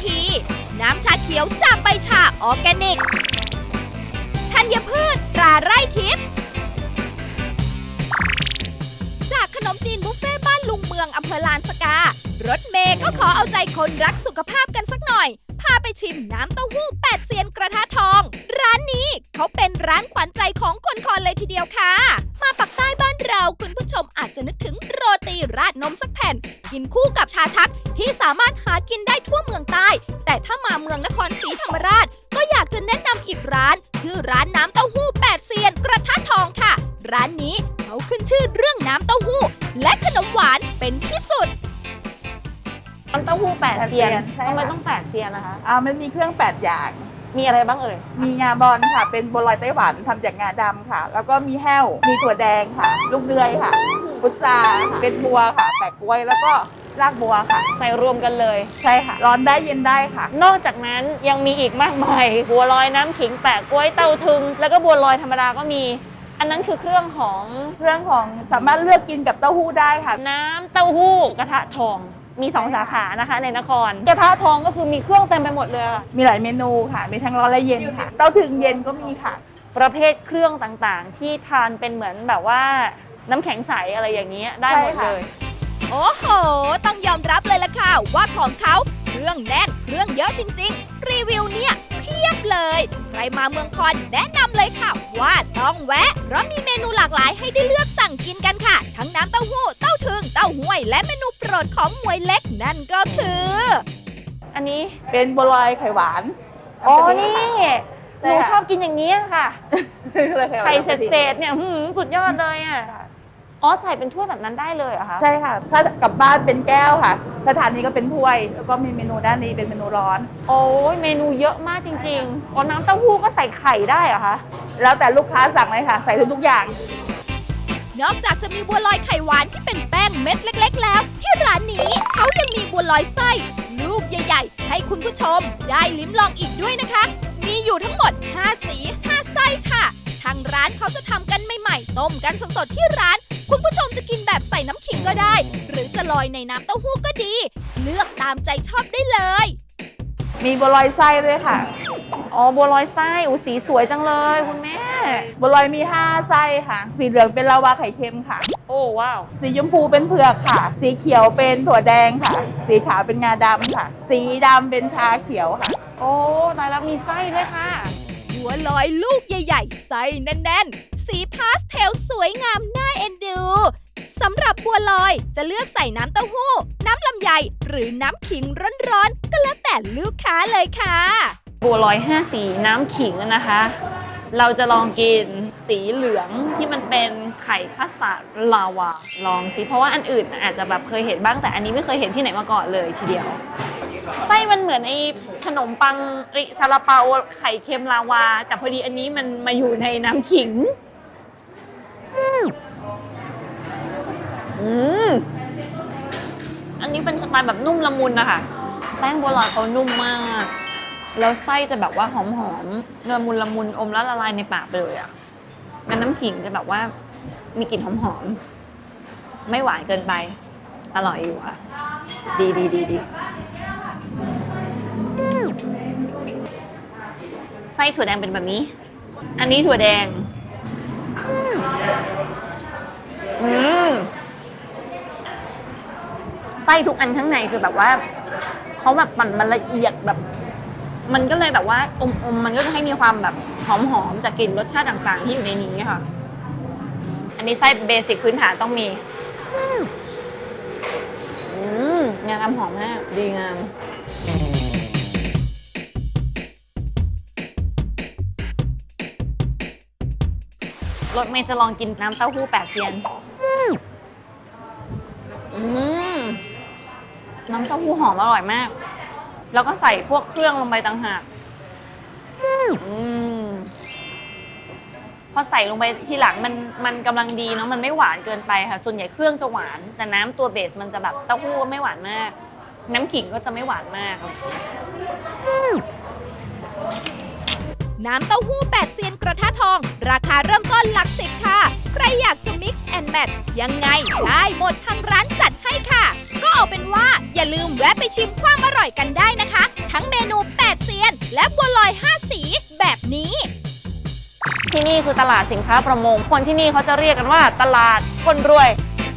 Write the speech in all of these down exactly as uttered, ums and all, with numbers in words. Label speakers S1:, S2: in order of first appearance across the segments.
S1: ที น้ำชาเขียวจากใบชาออร์แกนิก ธัญพืชตราไร่ทิพย์จากขนมจีนบุฟเฟ่บ้านลุงเมืองอำเภอลานสการถเมย์ก็ขอเอาใจคนรักสุขภาพกันสักหน่อย พาไปชิมน้ำเต้าหู้แปดเซียนกระทะทอง ร้านนี้เขาเป็นร้านขวัญใจของคนคอนเลยทีเดียวค่ะ มาปักใต้บ้านเราคุณผู้ชมอาจจะนึกถึงโรตีราดนมสักแผ่น กินคู่กับชาชักที่สามารถหากินได้ทั่วเมืองใต้ แต่ถ้ามาเมืองนครศรีธรรมราชก็อยากจะแนะนำอีกร้าน ชื่อร้านน้ำเต้าหู้แปดเซียนกระทะทองค่ะ ร้านนี้เขาขึ้นชื่อเรื่องน้ำเต้าหู้และขนมหวานเป็นที่สุด
S2: น้ำเต้าหู้แปดเซียน
S3: ใช่ค่ะ
S2: ทำไมต้องแปดเซียนนะคะ
S3: อ่ามันมีเครื่องแปดอย่าง
S2: มีอะไรบ้างเอ่ย
S3: มีงาบอลค่ะ เป็นบัวลอยไต้หวันทำจากงาดำค่ะ แล้วก็มีแห้ว มีถั่วแดงค่ะ ลูกเดือยค่ะ พุทราค่ะเป็นบัวค่ะ แปะกล้วย แล้วก็รากบัวค่ะ
S2: ใส่รวมกันเลย
S3: ใช่ค่ะ ร้อนได้เย็นได้ค่ะ
S2: นอกจากนั้นยังมีอีกมากมาย บัวลอยน้ำขิงแปะกล้วยเต้าทึง แล้วก็บัวลอยธรรมดาก็มี อันนั้นคือเครื่องของ
S3: เครื่องของสามารถเลือกกินกับเต้าหู้ได้ค่ะ
S2: น้ำเต้าหู้กระทะทอง มีสองสาขานะคะในนคร กระทะทองก็คือมีเครื่องเต็มไปหมดเลยอะ
S3: มีหลายเมนูค่ะ มีทั้งร้อนและเย็นค่ะ เต้าถึงเย็นก็มีค่ะ
S2: ประเภทเครื่องต่างๆ ที่ทานเป็นเหมือนแบบว่าน้ำแข็งใสอะไรอย่างนี้ได้หมด
S3: ใช่ค่ะ
S2: เลย
S1: โอ้โห ต้องยอมรับเลยล่ะค่ะว่าของเขาเครื่องแน่นเครื่องเยอะจริงๆ รีวิวเนี่ยเพียบเลย ใครมาเมืองคอนแนะนำเลยค่ะว่าต้องแวะ เพราะมีเมนูหลากหลายให้ได้เลือกสั่งกินกันค่ะ ทั้งน้ำเต้าหู้ เต้าถึง เต้าห้วย และเมนูโปรดของหมวยเล็กนั่นก็คือ
S2: อันนี้
S3: เป็นบัวลอยไข่หวาน
S2: อ๋อ
S3: ำกะทิ
S2: นี่
S3: ค่ะ
S2: หนูชอบกินอย่างนี้ค่ะ
S3: เลยหวาน
S2: ไข่เ
S3: น้ำกะทิ
S2: ศษๆเนี่ยหืมสุดยอดเลยอ่ะ อ๋อใส่เป็นถ้วยแบบนั้นได้เลยเหรอคะ
S3: ใช่ค่ะ ถ้ากลับบ้านเป็นแก้วค่ะสถานนี้ก็เป็นถ้วย แล้วก็มีเมนูด้านนี้เป็นเมนูร้อน
S2: โอ้ยเมนูเยอะมากจริงๆ อ๋อน้ำเต้าหู้ก็ใส่ไข่ได้เหรอคะ
S3: แล้วแต่ลูกค้าสั่งเลยค่ะ ใส่ทุกๆอย่าง
S1: นอกจากจะมีบัวลอยไข่หวานที่เป็นแป้งเม็ดเล็ก ๆ แล้ว ที่ร้านนี้เขายังมีบัวลอยไส้ลูกใหญ่ ๆ ให้คุณผู้ชมได้ลิ้มลองอีกด้วยนะคะ มีอยู่ทั้งหมดห้าสีห้าไส้ค่ะ ทางร้านเขาจะทำกันใหม่ๆต้มกันสดๆที่ร้าน คุณผู้ชมจะกินแบบใส่น้ำขิงก็ได้ หรือจะลอยในน้ำเต้าหู้ก็ดี เลือกตามใจชอบได้เลย
S3: มีบัวลอยไส้ด้วยค่ะ
S2: อ๋อบัวลอยไส้อูสีสวยจังเลยคุณแม่
S3: บัวลอยมีห้าไส้ค่ะ สีเหลืองเป็นลาวาไข่เค็มค่ะ
S2: โอ้ว้าว
S3: สีชมพูเป็นเผือกค่ะ สีเขียวเป็นถั่วแดงค่ะ สีขาวเป็นงาดำค่ะ สีดำเป็นชาเขียวค่ะ
S2: โอ้ตายแล้วมีไส้ด้วยค่ะ
S1: บัวลอยลูกใหญ่ๆ ไส้แน่นๆ สีพาสเทลสวยงามน่าเอ็นดูสำหรับบัวลอยจะเลือกใส่น้ำเต้าหู้ น้ำลำไยหรือน้ำขิงร้อนๆ ก็แล้วแต่ลูกค้าเลยค่ะ
S2: บัวลอยห้าสีน้ำขิงนะคะ เราจะลองกินสีเหลืองที่มันเป็นไข่คัสตาร์ดลาวา ลองสิ เพราะว่าอันอื่นอาจจะแบบเคยเห็นบ้างแต่อันนี้ไม่เคยเห็นที่ไหนมาก่อนเลยทีเดียว ไส้มันเหมือนไอ้ขนมปังไอ้ซาลาเปาไข่เค็มลาวา แต่พอดีอันนี้มันมาอยู่ในน้ำขิง อืม อันนี้เป็นสไตล์แบบนุ่มละมุนนะคะแป้งบัวลอยเขานุ่มมาก แล้วไส้จะแบบว่าหอมๆละมุนละมุนอมแล้วละลายในปากไปเลยอ่ะงั้นน้ำขิงจะแบบว่ามีกลิ่นหอมๆไม่หวานเกินไป อร่อยอยู่อ่ะ ดีดีดีดีไส้ถั่วแดงเป็นแบบนี้ อันนี้ถั่วแดง อืมไส้ทุกอันข้างในคือแบบว่าเขาแบบปั่นมันละเอียดแบบ มันก็เลยแบบว่าอมอมมันก็จะให้มีความแบบหอมๆจากกลิ่นรสชาติต่างๆที่อยู่ในนี้ค่ะ อันนี้ไส้เบสิกพื้นฐานต้องมี อืมงานทำหอมมากดีงามรถเมย์จะลองกินน้ำเต้าหู้แปดเซียน อืมน้ำเต้าหู้หอมอร่อยมาก แล้วก็ใส่พวกเครื่องลงไปต่างหากอืมพอใส่ลงไปทีหลังมันมันกำลังดีเนาะมันไม่หวานเกินไปค่ะ ส่วนใหญ่เครื่องจะหวาน แต่น้ำตัวเบสมันจะแบบเต้าหู้ไม่หวานมาก น้ำขิงก็จะไม่หวานมาก
S1: น้ำเต้าหู้แปดเซียนกระทะทอง ราคาเริ่มต้นหลักสิบค่ะ ใครอยากจะ mix and match ยังไงได้หมดทางร้านจัดให้ค่ะ ก็เอาเป็นว่าอย่าลืมแวะไปชิมความอร่อยกันได้นะคะทั้งเมนูแปดเซียนและบัวลอยห้าสีแบบนี้
S2: ที่นี่คือตลาดสินค้าประมง คนที่นี่เขาจะเรียกกันว่าตลาดคนรวย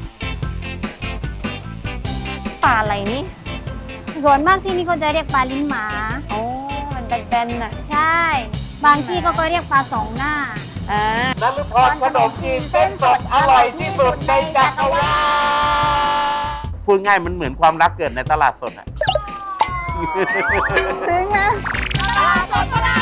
S2: ปลาอะไรนี่
S4: ส่วนมากที่นี่เขาจะเรียกปลาลิ้นหมา
S2: โอ้มันแบนๆน่ะ
S4: ใช่ บางที่ก็ก็เรียกปลาสองหน้า
S2: อ่า
S5: นฤพรขนมจีนเส้นสดอร่อยที่สุดในจักรวาลพูดง่ายมันเหมือนความรักเกิดในตลาดสดอ่ะ
S4: ซึ้งนะ
S1: ตลาดสดตลาด